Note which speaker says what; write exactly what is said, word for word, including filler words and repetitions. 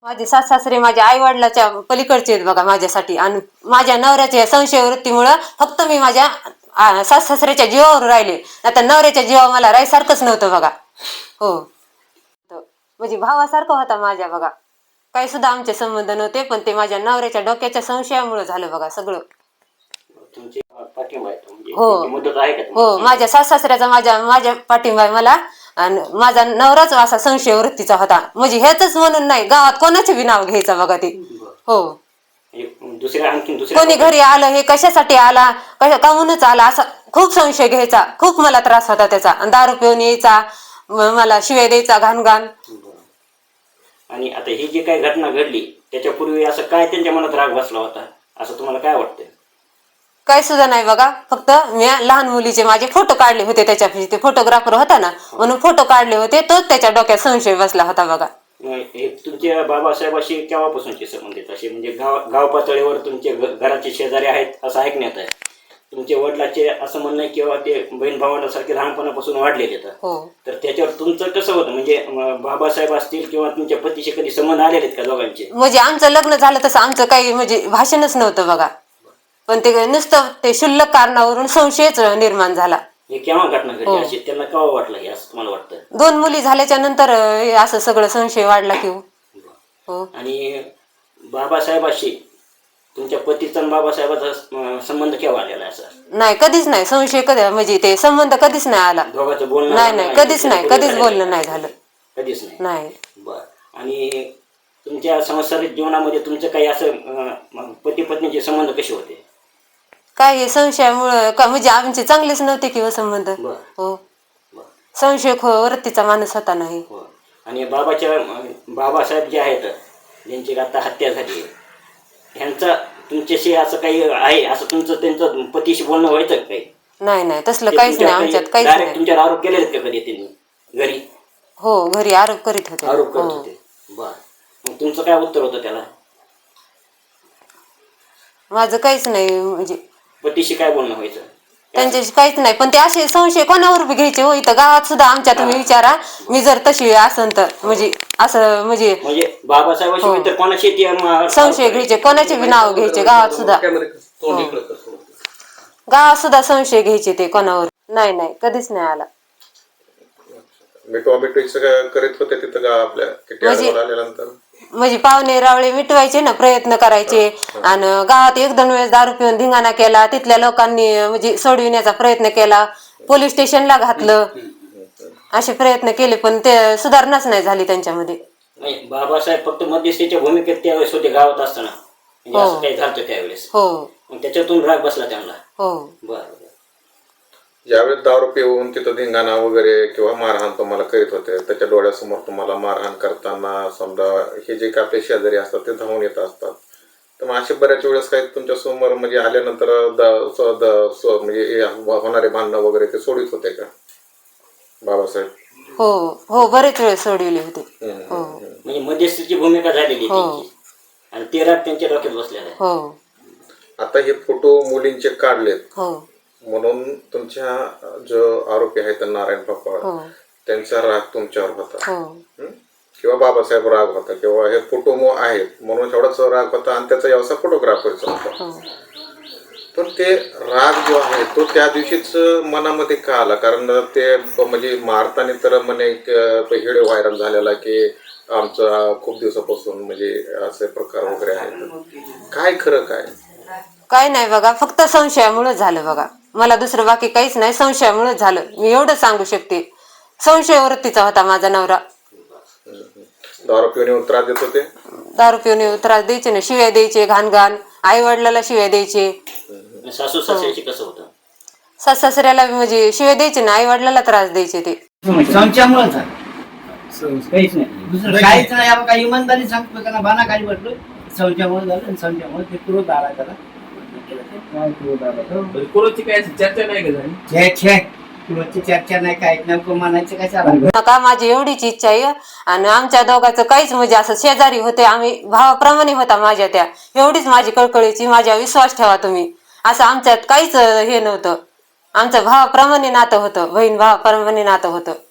Speaker 1: माझे सास सासरे माझ्या आई वडिलाच्या पलीकडचे आहेत बघा माझ्यासाठी. आणि माझ्या नवऱ्याच्या संशय वृत्तीमुळं फक्त मी माझ्या सास सासऱ्याच्या जीवावर राहिले, आता नवऱ्याच्या जीवावर मला राहायसारखंच नव्हतं बघा. हो, म्हणजे भावासारखं होता माझ्या बघा. काही सुद्धा आमचे संबंध नव्हते, पण ते माझ्या नवऱ्याच्या डोक्याच्या संशयामुळे झालं बघा सगळं. हो हो, माझ्या सास सासऱ्याचा माझ्या माझ्या पाठिंबा आहे मला. आणि माझा नवराच असा संशय वृत्तीचा होता, म्हणजे ह्याच म्हणून नाही, गावात कोणाचे बी नाव घ्यायचं बघा ते. हो,
Speaker 2: दुसऱ्या आणखी दुसऱ्या
Speaker 1: कोणी घरी आलं हे कशासाठी आला, कशा काहूनच आला, असा खूप संशय घ्यायचा. खूप मला त्रास होता त्याचा. दारू पिऊन यायचा, मला शिव्या द्यायचा घाण घाण.
Speaker 2: आणि आता ही जी काही घटना घडली त्याच्यापूर्वी असं काय त्यांच्या मनात राग बसला होता असं तुम्हाला काय वाटतं?
Speaker 1: काही सुद्धा नाही बघा. फक्त मी लहान मुलीचे माझे फोटो काढले होते, त्याच्या ते फोटोग्राफर होता ना म्हणून फोटो काढले होते, तोच त्याच्या डोक्यात संशय बसला होता बघा.
Speaker 2: हे तुमच्या बाबासाहेबाशी केव्हापासूनचे संबंधित असे, म्हणजे गाव गाव पातळीवर तुमचे घराचे शेजारी आहेत असं ऐकण्यात आहे. तुमच्या वडिलाचे असं म्हणणं किंवा ते बहीण भावांसारखे लहानपणापासून वाढलेले आहेत, तर त्याच्यावर तुमचं कसं होतं? म्हणजे बाबासाहेब असतील किंवा तुमच्या पतीशी कधी संबंध आलेले आहेत का दोघांचे?
Speaker 1: म्हणजे आमचं लग्न झालं तसं आमचं काही म्हणजे भाषणच नव्हतं बघा, पण ते नुसतं ते क्षुल्लक कारणावरून संशयच निर्माण झाला.
Speaker 2: हे केव्हा घटना घडली अशी, त्यांना केव्हा वाटलं हे असं तुम्हाला वाटतं?
Speaker 1: दोन मुली झाल्याच्या नंतर असं सगळं संशय वाढला की हो.
Speaker 2: आणि बाबासाहेबाशी तुमच्या पतीचा आणि बाबासाहेबाचा संबंध केव्हा आलेला आहे? असं नाही,
Speaker 1: कधीच नाही. संशय कधी म्हणजे ते संबंध कधीच नाही आला.
Speaker 2: दोघांचं बोलणं
Speaker 1: नाही नाही, कधीच नाही, कधीच बोलणं नाही झालं,
Speaker 2: कधीच नाही.
Speaker 1: नाही.
Speaker 2: बर. आणि तुमच्या सांसारिक जीवनामध्ये तुमचं काही असं पती पत्नीचे संबंध कसे होते?
Speaker 1: काय हे संशयामुळं का म्हणजे आमचे चांगलेच नव्हते किंवा संबंध. हो, संशय वृत्तीचा माणूस होता. नाही.
Speaker 2: आणि बाबाच्या बाबासाहेब जे आहेत ज्यांची आता हत्या झाली, ह्यांचा तुमच्याशी असं काही आहे, असं तुमचं त्यांचं पतीशी बोलणं व्हायचं काही?
Speaker 1: नाही नाही, तसलं काहीच नाही आमच्यात, काहीच नाही.
Speaker 2: तुमच्यावर आरोप केलेले का कधी त्यांनी घरी?
Speaker 1: हो, घरी आरोप करीत होते.
Speaker 2: आरोप करत होते. बर. मग तुमचं काय उत्तर होतं त्याला?
Speaker 1: माझं काहीच नाही. म्हणजे
Speaker 2: पतीशी काय बोलणं व्हायचं?
Speaker 1: त्यांच्याशी काहीच नाही, पण ते असे संशय कोणावर बी घ्यायचे हो. इथं गावात सुद्धा आमच्या तुम्ही विचारा, मी जर तशी असन तर म्हणजे असं म्हणजे
Speaker 2: म्हणजे बाबासाहेबाशी इतर कोणाशी
Speaker 1: संशय घ्यायचे, कोणाचे बी नाव घ्यायचे गावात सुद्धा. गावात सुद्धा संशय घ्यायचे ते कोणावर. नाही नाही, कधीच नाही आला.
Speaker 3: करीत होते तिथं आपल्या
Speaker 1: म्हणजे पाहुणे रावळे मिटवायचे ना, प्रयत्न करायचे. आणि गावात एक दोन वेळेस दारू पिऊन धिंगाणा केला, तिथल्या लोकांनी म्हणजे सोडविण्याचा प्रयत्न केला, पोलीस स्टेशनला घातलं, असे प्रयत्न केले, पण ते सुधारणाच नाही झाली त्यांच्यामध्ये.
Speaker 2: बाबासाहेब फक्त मध्यस्थीच्या भूमिकेत त्यावेळेस होते गावात असताना, असं काही झालं त्यावेळेस.
Speaker 1: हो,
Speaker 2: त्याच्यातून राग बसला त्यांना.
Speaker 1: हो.
Speaker 2: बरं.
Speaker 3: ज्यावेळेस दारू पिऊन तिथं धिंगाणा वगैरे किंवा मारहाण तुम्हाला करीत होते, त्याच्या डोळ्यासमोर तुम्हाला मारहाण करताना समजा हे जे काही आपले शेजारी असतात ते धावून येत असतात, तर मग असे बऱ्याच वेळेस काही तुमच्या समोर म्हणजे आल्यानंतर म्हणजे होणारे भांडणं वगैरे ते सोडित होते का बाबासाहेब?
Speaker 1: हो हो, बरेच वेळ सोडविले होते.
Speaker 2: म्हणजे मध्यस्थीची भूमिका झालेली आणि ते राग त्यांच्या डोक्यात बसलेला आहे.
Speaker 1: हो.
Speaker 3: आता हे फोटो मुलींचे काढलेत,
Speaker 1: हो,
Speaker 3: म्हणून तुमच्या जो आरोपी आहेत नारायण पापा, त्यांचा राग तुमच्यावर होता किंवा बाबासाहेब राग होता किंवा हे फोटो आहेत म्हणून एवढाच राग होता आणि त्याचा व्यवसाय फोटोग्राफरचा होता. पण ते राग जो आहे तो त्या दिवशीच मनामध्ये का आला? कारण ते म्हणजे मारताना तर म्हणे व्हिडिओ व्हायरल झालेला की आमचा खूप दिवसापासून म्हणजे असे प्रकार वगैरे आहेत. काय खरं काय?
Speaker 1: काय नाही बघा, फक्त संशयामुळेच झालं बघा. मला दुसरं बाकी काहीच नाही, संशयामुळेच झालं. मी एवढं सांगू शकते. संशय वृत्तीचा होता माझा नवरा.
Speaker 3: दारू पिऊन त्रास देत होते?
Speaker 1: दारू पिऊन त्रास द्यायचे ना, शिव्या द्यायचे घाण घाण, आई वडिलाला शिव्या द्यायचे.
Speaker 2: सासू सासऱ्याशी कसं होतं?
Speaker 1: सास सासऱ्याला म्हणजे शिव्या द्यायचे ना, आई वडिलाला त्रास द्यायचे ते.
Speaker 4: संशयामुळे झालं, काहीच नाही, दुसरं काहीच नाही. आपण काही इमानदारी सांगतो त्यांना, बाना काही म्हटलं संशयामुळे झालं आणि संशयामुळे ते क्रोध आला त्याला.
Speaker 5: क्रोधची काय चर्चा नाही का झाली?
Speaker 4: छे छे, क्रोधची चर्चा नाही, काय नेमकं म्हणायचं कशाला?
Speaker 1: नका, माझी एवढीच इच्छा आहे. आणि आमच्या दोघांचं काहीच म्हणजे असं शेजारी होते, आम्ही भावाप्रमाणे होता माझ्या त्या, एवढीच माझी कळकळीची. माझ्या विश्वास ठेवा तुम्ही, असं आमच्यात काहीच हे नव्हतं. आमचं भावाप्रमाणे नातं होतं, बहीण भावाप्रमाणे नातं होतं.